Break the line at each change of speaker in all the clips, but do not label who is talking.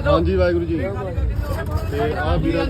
ਹਾਂਜੀ ਵਾਹਿਗੁਰੂ ਜੀ। ਤੇ ਆ ਵੀਰਾਂ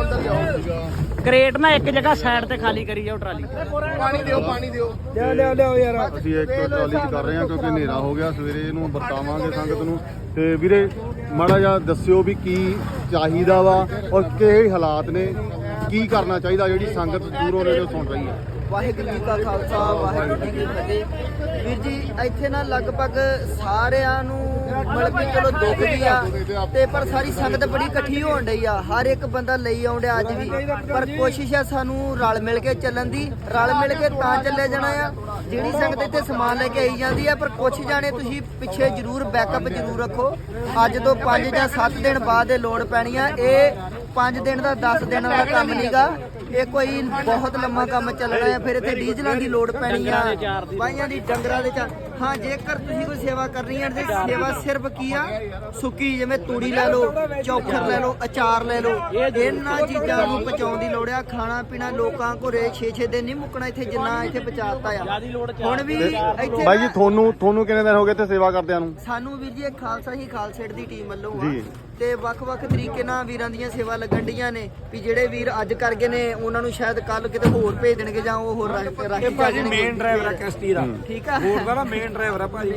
ਕੋਲੇ
ਕ੍ਰੇਟ ਨਾ ਇੱਕ ਜਗ੍ਹਾ ਸਾਈਡ ਤੇ ਖਾਲੀ ਕਰੀ ਜਾਓ ਟਰਾਲੀ।
ਪਾਣੀ ਦਿਓ
ਲਿਆਓ ਯਾਰ।
ਅਸੀਂ ਇੱਕ ਟਰਾਲੀ 'ਚ ਕਰ ਰਹੇ ਹਾਂ ਕਿਉਂਕਿ ਹਨੇਰਾ ਹੋ ਗਿਆ, ਸਵੇਰੇ ਇਹਨੂੰ ਵਰਤਾਵਾਂਗੇ ਸੰਗਤ ਨੂੰ। ਤੇ ਵੀਰੇ ਮਾੜਾ ਜਿਹਾ ਦੱਸਿਓ ਵੀ ਕੀ ਚਾਹੀਦਾ ਵਾ ਔਰ ਕਿਹੜੇ ਹਾਲਾਤ ਨੇ, ਕੀ ਕਰਨਾ ਚਾਹੀਦਾ ਜਿਹੜੀ ਸੰਗਤ ਦੂਰੋਂ ਨੇੜੋਂ ਸੁਣ ਰਹੀ ਹੈ।
ਵਾਹਿਗੁਰੂ ਜੀ ਕਾ ਖਾਲਸਾ ਵਾਹਿਗੁਰੂ ਜੀ ਕੀ ਫਤਿਹ। ਵੀਰ ਜੀ ਇੱਥੇ ਨਾ ਲਗਭਗ ਸਾਰਿਆਂ ਨੂੰ ਮਤਲਬ ਕਿ ਚਲੋ ਦੁੱਖ ਵੀ ਆ ਤੇ ਪਰ ਸਾਰੀ ਸੰਗਤ ਬੜੀ ਇਕੱਠੀ ਹੋਣ ਡਈ ਆ। ਹਰ ਇੱਕ ਬੰਦਾ ਲਈ ਆਉਂਦਿਆ ਅੱਜ ਵੀ, ਪਰ ਕੋਸ਼ਿਸ਼ ਆ ਸਾਨੂੰ ਰਲ ਮਿਲ ਕੇ ਚੱਲਣ ਦੀ। ਰਲ ਮਿਲ ਕੇ ਤਾਂ ਚੱਲੇ ਜਾਣਾ ਆ। ਜਿਹੜੀ ਸੰਗਤ ਇੱਥੇ ਸਮਾਨ ਲੈ ਕੇ ਆਈ ਜਾਂਦੀ ਆ, ਪਰ ਕੁਛ ਜਾਣੇ ਤੁਸੀਂ ਪਿੱਛੇ ਜ਼ਰੂਰ ਬੈਕਅਪ ਜ਼ਰੂਰ ਰੱਖੋ। ਅੱਜ ਤੋਂ 5 ਜਾਂ 7 ਦਿਨ ਬਾਅਦ ਇਹ ਲੋੜ ਪੈਣੀ ਆ। ਇਹ 5 ਦਿਨ ਦਾ 10 ਦਿਨਾਂ ਦਾ ਕੰਮ ਨਹੀਂਗਾ, ਇਹ ਕੋਈ ਬਹੁਤ ਲੰਮਾ ਕੰਮ ਚੱਲਣਾ ਹੈ। ਫਿਰ ਇੱਥੇ ਡੀਜ਼ਲਾਂ ਦੀ ਲੋੜ ਪੈਣੀ ਆ, ਬਾਈਆਂ ਦੀ, ਡੰਗਰਾਂ ਦੇ ਹਾਂ। ਜੇਕਰ ਤੁਸੀਂ ਕੋਈ ਸੇਵਾ ਕਰਨੀ ਹੈ ਤੇ ਸੇਵਾ ਸਿਰਫ ਕੀ ਆ, ਸੁੱਕੀ ਜਿਵੇਂ ਤੂੜੀ ਲੈ ਲਓ, ਚੌਖਰ ਲੈ ਲਓ, ਅਚਾਰ ਲੈ ਲਓ, ਇਹਨਾਂ ਚੀਜ਼ਾਂ ਨੂੰ ਪਹੁੰਚਾਉਣ ਦੀ ਲੋੜ ਆ। ਖਾਣਾ ਪੀਣਾ ਲੋਕਾਂ ਘਰੇ 6-6 ਦਿਨ ਨਹੀਂ ਮੁੱਕਣਾ ਇੱਥੇ ਜਿੰਨਾ ਇੱਥੇ ਪਹੁੰਚਾਤਾ ਆ। ਹੁਣ ਵੀ ਇੱਥੇ
ਬਾਈ ਜੀ ਤੁਹਾਨੂੰ ਕਿੰਨੇ ਦਿਨ ਹੋ ਗਏ ਇੱਥੇ ਸੇਵਾ ਕਰਦਿਆਂ ਨੂੰ?
ਸਾਨੂੰ ਵੀਰ ਜੀ ਖਾਲਸਾ ਹੀ ਖਾਲਸੇਟ ਦੀ ਟੀਮ ਵੱਲੋਂ ਆ ਤੇ ਵੱਖ-ਵੱਖ ਤਰੀਕੇ ਨਾਲ ਵੀਰਾਂ ਦੀਆਂ ਸੇਵਾ ਲੱਗਣ ਡੀਆਂ ਨੇ ਵੀ ਜਿਹੜੇ ਵੀਰ ਅੱਜ ਕਰ ਗਏ ਨੇ ਉਹਨਾਂ ਨੂੰ ਸ਼ਾਇਦ ਕੱਲ ਕਿਤੇ ਹੋਰ ਭੇਜ ਦੇਣਗੇ ਜਾਂ ਉਹ ਹੋਰ ਰਾਖੀ
ਭਾਜੀ ਮੇਨ ਡਰਾਈਵਰ ਆ ਕਿਸ਼ਤੀ ਦਾ,
ਠੀਕ ਆ।
ਹੋਰ ਦਾ ਮੇਨ ਡਰਾਈਵਰ ਆ ਭਾਜੀ,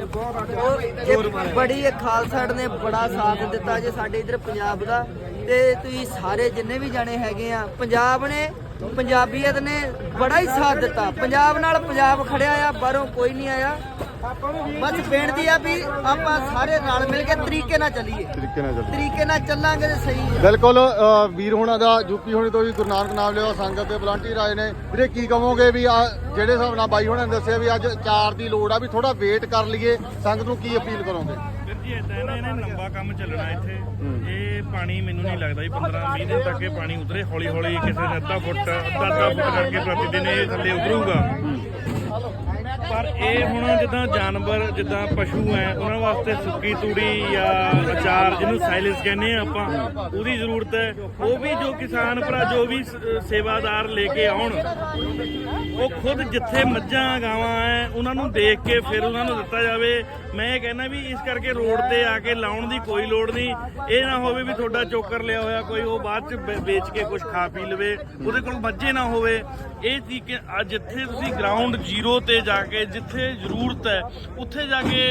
ਬਹੁਤ
ਬੜੀ ਇਹ ਖਾਲਸਾ ਨੇ ਬੜਾ ਸਾਥ ਦਿੱਤਾ ਜੇ ਸਾਡੇ ਇਧਰ ਪੰਜਾਬ ਦਾ। ਤੇ ਤੁਸੀਂ ਸਾਰੇ ਜਿੰਨੇ ਵੀ ਜਾਣੇ ਹੈਗੇ ਆ, ਪੰਜਾਬ ਨੇ, ਪੰਜਾਬੀਅਤ ਨੇ ਬੜਾ ਹੀ ਸਾਥ ਦਿੱਤਾ। ਪੰਜਾਬ ਨਾਲ ਪੰਜਾਬ ਖੜਿਆ ਆ, ਬਾਹਰੋਂ ਕੋਈ ਨਹੀਂ ਆਇਆ। ਬਸ ਬੇਨਤੀ ਆ ਵੀ ਆਪਾਂ ਸਾਰੇ ਰਲ ਮਿਲ ਕੇ ਤਰੀਕੇ ਨਾਲ ਚੱਲੀਏ, ਤਰੀਕੇ ਨਾਲ ਚੱਲਾਂਗੇ ਤੇ ਸਹੀ ਹੈ।
ਬਿਲਕੁਲ। ਵੀਰ ਹੋਣਾ ਦਾ ਯੂਪੀ ਹੋਣੇ ਤੋਂ ਵੀ ਗੁਰੂ ਨਾਨਕ ਨਾਮ ਲਿਆ ਸੰਗਤ ਦੇ ਵਲੰਟੀਅਰ ਆਏ ਨੇ। ਵੀਰੇ ਕੀ ਕਹੋਗੇ ਵੀ ਆ ਜਿਹੜੇ ਹਿਸਾਬ ਨਾਲ ਬਾਈ ਹੋਣਾ ਨੇ ਦੱਸਿਆ ਵੀ ਅੱਜ ਚਾਰ ਦੀ ਲੋੜ ਆ, ਵੀ ਥੋੜਾ ਵੇਟ ਕਰ ਲਈਏ, ਸੰਗਤ ਨੂੰ ਕੀ ਅਪੀਲ ਕਰੋਗੇ?
ਵੀਰ ਜੀ ਇਦਾਂ ਇਹਨੇ ਲੰਬਾ ਕੰਮ ਚੱਲਣਾ ਇੱਥੇ। ਇਹ ਪਾਣੀ ਮੈਨੂੰ ਨਹੀਂ ਲੱਗਦਾ ਵੀ 15-20 ਦਿਨ ਤੱਕ ਇਹ ਪਾਣੀ ਉਤਰੇ। ਹੌਲੀ ਹੌਲੀ ਕਿਸੇ ਨੇ ਅੱਧਾ ਫੁੱਟ ਕਰਕੇ ਪ੍ਰਤੀ ਦਿਨ ਇਹ ਥੱਲੇ ਉਤਰੂਗਾ। ਪਰ ਇਹ ਹੁਣ ਜਿੱਦਾਂ ਜਾਨਵਰ, ਜਿੱਦਾਂ ਪਸ਼ੂ ਹੈ, ਉਹਨਾਂ ਵਾਸਤੇ ਸੁੱਕੀ ਤੂੜੀ ਜਾਂ ਅਚਾਰ ਜਿਹਨੂੰ ਸਾਇਲੈਂਸ ਕਹਿੰਦੇ ਆ ਆਪਾਂ, ਉਹਦੀ ਜ਼ਰੂਰਤ ਹੈ। ਉਹ ਵੀ ਜੋ ਕਿਸਾਨ ਭਰਾ, ਜੋ ਵੀ ਸੇਵਾਦਾਰ ਲੈ ਕੇ ਆਉਣ, ਉਹ ਖੁਦ ਜਿੱਥੇ ਮੱਝਾਂ ਗਾਵਾਂ ਹੈ ਉਹਨਾਂ ਨੂੰ ਦੇਖ ਕੇ ਫਿਰ ਉਹਨਾਂ ਨੂੰ ਦਿੱਤਾ ਜਾਵੇ। ਮੈਂ ਇਹ ਕਹਿੰਦਾ ਵੀ ਇਸ ਕਰਕੇ ਰੋਡ ਤੇ ਆ ਕੇ ਲਾਉਣ ਦੀ ਕੋਈ ਲੋੜ ਨਹੀਂ। ਇਹ ਨਾ ਹੋਵੇ ਵੀ ਤੁਹਾਡਾ ਚੋਕਰ ਲਿਆ ਹੋਇਆ ਕੋਈ ਉਹ ਬਾਅਦ ਚ ਵੇਚ ਕੇ ਕੁਝ ਖਾ ਪੀ ਲਵੇ, ਉਹਦੇ ਕੋਲ ਮੱਝੇ ਨਾ ਹੋਵੇ। ਇਹ ਤਰੀਕੇ ਜਿੱਥੇ ਤੁਸੀਂ ਗਰਾਊਂਡ ਜ਼ੀਰੋ ਤੇ ਜਾ ਕੇ, ਜਿੱਥੇ ਜ਼ਰੂਰਤ ਹੈ ਉੱਥੇ ਜਾ ਕੇ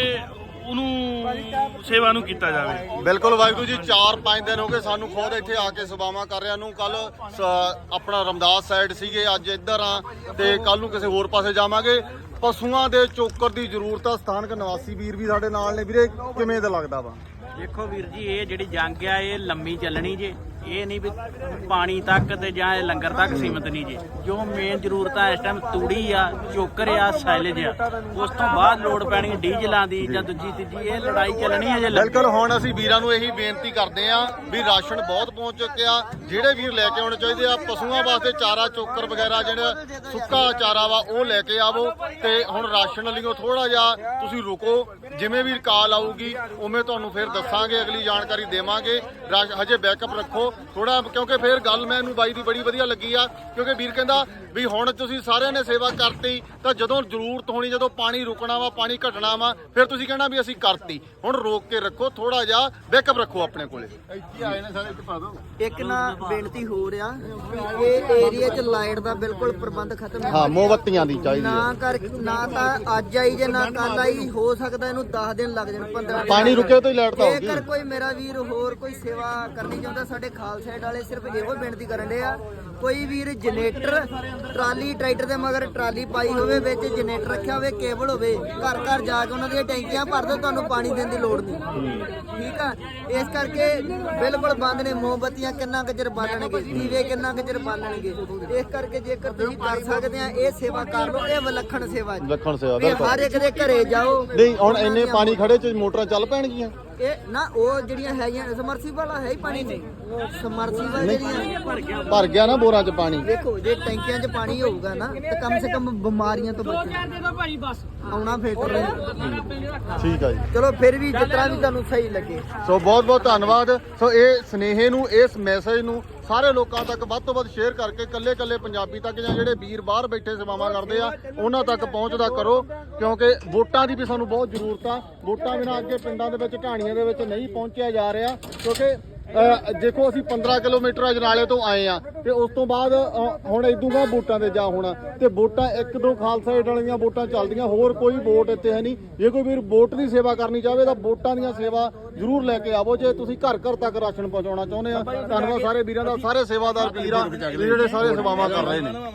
ਉਹਨੂੰ ਸੇਵਾ ਨੂੰ ਕੀਤਾ ਜਾਵੇ।
ਬਿਲਕੁਲ ਵਾਹਿਗੁਰੂ ਜੀ। 4-5 ਦਿਨ ਹੋ ਗਏ ਸਾਨੂੰ ਖੁਦ ਇੱਥੇ ਆ ਕੇ ਸੇਵਾਵਾਂ ਕਰ ਰਿਆਂ ਨੂੰ। ਕੱਲ ਆਪਣਾ ਰਮਦਾਸ ਸਾਈਡ ਸੀਗੇ, ਅੱਜ ਇੱਧਰ ਆ ਤੇ ਕੱਲ ਨੂੰ ਕਿਸੇ ਹੋਰ ਪਾਸੇ ਜਾਵਾਂਗੇ। ਪਸ਼ੂਆਂ ਦੇ ਚੋਕਰ ਦੀ ਜ਼ਰੂਰਤ ਆ। ਸਥਾਨਕ ਨਿਵਾਸੀ ਵੀਰ ਵੀ ਸਾਡੇ ਨਾਲ ਨੇ। ਵੀਰੇ ਕਿਵੇਂ ਦਾ ਲੱਗਦਾ ਵਾ?
ਦੇਖੋ ਵੀਰ ਜੀ, ਇਹ ਜਿਹੜੀ ਜੰਗ ਆ ਇਹ ਲੰਮੀ ਚੱਲਣੀ ਜੇ। ਇਹ ਨਹੀਂ ਵੀ ਪਾਣੀ ਤੱਕ ਤੇ ਜਾਂ ਲੰਗਰ ਤੱਕ ਸੀਮਤ ਨਹੀਂ ਜੇ। ਜੋ ਮੇਨ ਜ਼ਰੂਰਤ ਆ ਇਸ ਟਾਈਮ ਤੂੜੀ ਆ, ਚੋਕਰ ਆ, ਸਾਈਲੇਜ ਆ। ਉਸ ਤੋਂ ਬਾਅਦ ਲੋੜ ਪੈਣੀ ਡੀਜ਼ਲਾਂ ਦੀ ਜਾਂ ਦੂਜੀ ਤੀਜੀ। ਇਹ ਲੜਾਈ ਚੱਲਣੀ ਹੈ ਜੇ।
ਬਿਲਕੁਲ। ਹੁਣ ਅਸੀਂ ਵੀਰਾਂ ਨੂੰ ਇਹੀ ਬੇਨਤੀ ਕਰਦੇ ਆ ਵੀ ਰਾਸ਼ਨ ਬਹੁਤ ਪਹੁੰਚ ਚੁੱਕਿਆ, ਜਿਹੜੇ ਵੀਰ ਲੈ ਕੇ ਆਉਣੇ ਚਾਹੀਦੇ ਆ। ਪਸ਼ੂਆਂ ਵਾਸਤੇ ਚਾਰਾ, ਚੋਕਰ ਵਗੈਰਾ ਜਿਹੜਾ ਸੁੱਕਾ ਚਾਰਾ ਵਾ ਉਹ ਲੈ ਕੇ ਆਵੋ। ਤੇ ਹੁਣ ਰਾਸ਼ਨ ਲਈਓ ਥੋੜਾ ਜਿਹਾ ਤੁਸੀਂ ਰੁਕੋ, ਜਿਵੇਂ ਵੀ ਕਾਲ ਆਊਗੀ ਉਵੇਂ ਤੁਹਾਨੂੰ ਫਿਰ ਦੱਸਾਂਗੇ, ਅਗਲੀ ਜਾਣਕਾਰੀ ਦੇਵਾਂਗੇ। ਹਜੇ ਬੈਕਅਪ ਰੱਖੋ ਥੋੜਾ, ਕਿਉਂਕਿ ਫਿਰ ਗੱਲ ਮੈਨੂੰ ਬਾਈ ਦੀ ਬੜੀ ਵਧੀਆ ਲੱਗੀ ਆ। ਕਿਉਂਕਿ ਵੀਰ ਕਹਿੰਦਾ ਵੀ ਹੁਣ ਤੁਸੀਂ ਸਾਰਿਆਂ ਨੇ ਸੇਵਾ ਕਰਤੀ ਤਾਂ ਜਦੋਂ ਜ਼ਰੂਰਤ ਹੋਣੀ, ਜਦੋਂ ਪਾਣੀ ਰੁਕਣਾ ਵਾ, ਪਾਣੀ ਘਟਣਾ ਵਾ, ਫਿਰ ਤੁਸੀਂ ਕਹਿਣਾ ਵੀ ਅਸੀਂ ਕਰਤੀ। ਹੁਣ ਰੋਕ ਕੇ ਰੱਖੋ, ਥੋੜਾ ਜਿਹਾ ਬੈਕਅਪ ਰੱਖੋ ਆਪਣੇ ਕੋਲੇ। ਇੱਥੇ ਆਏ ਨੇ ਸਾਰੇ, ਇੱਥੇ ਪਾ ਦਿਓ।
ਇੱਕ ਨਾ ਬੇਨਤੀ ਹੋ ਰਿਹਾ, ਇਹ ਏਰੀਆ 'ਚ ਲਾਈਟ ਦਾ ਬਿਲਕੁਲ ਪ੍ਰਬੰਧ ਖਤਮ ਹੈ।
ਹਾਂ, ਮੋਮਬੱਤੀਆਂ ਦੀ ਚਾਹੀਦੀ
ਨਾ ਤਾਂ ਅੱਜ ਆਈ ਜੇ ਨਾ ਕੱਲ ਆਈ। ਹੋ ਸਕਦਾ ਇਹਨੂੰ 10 ਦਿਨ ਲੱਗ ਜਾਣ, 15 ਦਿਨ।
ਪਾਣੀ ਰੁਕੇ ਤੋਂ ਹੀ ਲਾਈਟ ਤਾਂ ਹੋਊਗੀ।
ਜੇਕਰ ਕੋਈ ਮੇਰਾ ਵੀਰ ਹੋਰ ਕੋਈ ਸੇਵਾ ਕਰਨੀ ਚਾਹੁੰਦਾ, ਸਾਡੇ ਖਾਲਸਾ ਵਾਲੇ ਸਿਰਫ ਇਹੋ ਬੇਨਤੀ ਕਰਨ ਦੇ ਆ, ਕੋਈ ਵੀਰ ਜਨਰੇਟਰ ਟਰਾਲੀ, ਟਰੈਕਟਰ ਦੇ ਮਗਰ ਟਰਾਲੀ ਪਾਈ ਹੋਵੇ, ਵਿੱਚ ਜਨਰੇਟਰ ਰੱਖਿਆ ਹੋਵੇ, ਕੇਬਲ ਹੋਵੇ, ਘਰ ਘਰ ਜਾ ਕੇ ਉਹਨਾਂ ਦੀਆਂ ਟੈਂਕੀਆਂ ਭਰ ਦਿਓ, ਤੁਹਾਨੂੰ ਪਾਣੀ ਦੇਣ ਦੀ ਲੋੜ ਨਹੀਂ। ਠੀਕ ਆ। ਇਸ ਕਰਕੇ ਬਿਲਕੁਲ ਬੰਦ ਨੇ। ਮੋਮਬੱਤੀਆਂ ਕਿੰਨਾ ਕੁ ਬਾਲਣਗੇ, ਦੀਵੇ ਕਿੰਨਾ ਕੁ ਬਾਲਣਗੇ। ਇਸ ਕਰਕੇ ਜੇਕਰ ਤੁਸੀਂ ਕਰ ਸਕਦੇ ਆ ਇਹ ਸੇਵਾ ਕਰ ਲਓ। ਇਹ ਵਿਲੱਖਣ ਸੇਵਾ ਜੀ,
ਵਿਲੱਖਣ ਸੇਵਾ।
ਹਰ ਇੱਕ ਦੇ ਘਰੇ ਜਾਓ।
ਨਹੀਂ ਹੁਣ ਇੰਨੇ ਪਾਣੀ ਖੜੇ ਚ ਮੋਟਰਾਂ ਚੱਲ ਪੈਣਗੀਆਂ?
ਇਹ ਨਾ ਉਹ ਜਿਹੜੀਆਂ ਹੈਗੀਆਂ ਸਮਰਸੀਬਲ ਹੈ ਹੀ ਪਾਣੀ ਨਹੀਂ, ਸਮਰਸੀਬਲ ਜਿਹੜੀਆਂ
ਭਰ ਗਿਆ ਨਾ ਬੋਰਾਂ 'ਚ ਪਾਣੀ।
ਦੇਖੋ ਜੇ ਟੈਂਕੀਆਂ 'ਚ ਪਾਣੀ ਹੋਊਗਾ ਨਾ ਤੇ ਕਮ ਸੇ ਕਮ ਬਿਮਾਰੀਆਂ ਤੋਂ ਬਚਣਾ ਆਉਣਾ ਫਿਲਟਰ।
ਠੀਕ ਆ ਜੀ।
ਚਲੋ ਫਿਰ ਵੀ ਜਿਸ ਤਰ੍ਹਾਂ ਵੀ ਤੁਹਾਨੂੰ ਸਹੀ ਲੱਗੇ।
ਸੋ ਬਹੁਤ ਬਹੁਤ ਧੰਨਵਾਦ। ਸੋ ਇਹ ਸੁਨੇਹੇ ਨੂੰ, ਇਸ ਮੈਸੇਜ ਨੂੰ ਸਾਰੇ ਲੋਕਾਂ ਤੱਕ ਵੱਧ ਤੋਂ ਵੱਧ ਸ਼ੇਅਰ ਕਰਕੇ ਕੱਲੇ ਪੰਜਾਬੀ ਤੱਕ ਜਾਂ ਜਿਹੜੇ ਵੀਰ ਬਾਹਰ ਬੈਠੇ ਸੇਵਾਵਾਂ ਕਰਦੇ ਆ ਉਹਨਾਂ ਤੱਕ ਪਹੁੰਚਦਾ ਕਰੋ, ਕਿਉਂਕਿ ਵੋਟਾਂ ਦੀ ਵੀ ਸਾਨੂੰ ਬਹੁਤ ਜ਼ਰੂਰਤ ਆ। ਵੋਟਾਂ ਬਿਨਾਂ ਅੱਗੇ ਪਿੰਡਾਂ ਦੇ ਵਿੱਚ ਢਾਣੀਆਂ ਦੇ ਵਿੱਚ ਨਹੀਂ ਪਹੁੰਚਿਆ ਜਾ ਰਿਹਾ, ਕਿਉਂਕਿ ਦੇਖੋ ਅਸੀਂ 15 ਕਿਲੋਮੀਟਰ ਅਜਨਾਲੇ ਤੋਂ ਆਏ ਆ ਤੇ ਉਸ ਤੋਂ ਬਾਅਦ ਹੁਣ ਇਦੂਗਾ ਵੋਟਾਂ ਤੇ ਜਾ ਹੋਣਾ ਤੇ ਵੋਟਾਂ 1-2 ਖਾਲਸਾ ਏਡ ਵਾਲੀਆਂ ਵੋਟਾਂ ਚੱਲਦੀਆਂ, ਹੋਰ ਕੋਈ ਵੋਟ ਇੱਥੇ ਹੈ ਨਹੀਂ। ਜੇ ਕੋਈ ਵੀਰ ਵੋਟ ਦੀ ਸੇਵਾ ਕਰਨੀ ਚਾਹਵੇ ਤਾਂ ਵੋਟਾਂ ਦੀਆਂ ਸੇਵਾ ਜ਼ਰੂਰ ਲੈ ਕੇ ਆਵੋ ਜੇ ਤੁਸੀਂ ਘਰ ਘਰ ਤੱਕ ਰਾਸ਼ਨ ਪਹੁੰਚਾਉਣਾ ਚਾਹੁੰਦੇ ਆ। ਧੰਨਵਾਦ ਸਾਰੇ ਵੀਰਾਂ ਦਾ, ਸਾਰੇ ਸੇਵਾਦਾਰ ਵੀਰਾਂ ਜਿਹੜੇ ਸਾਰੇ ਸੇਵਾਵਾਂ ਕਰ ਰਹੇ ਨੇ।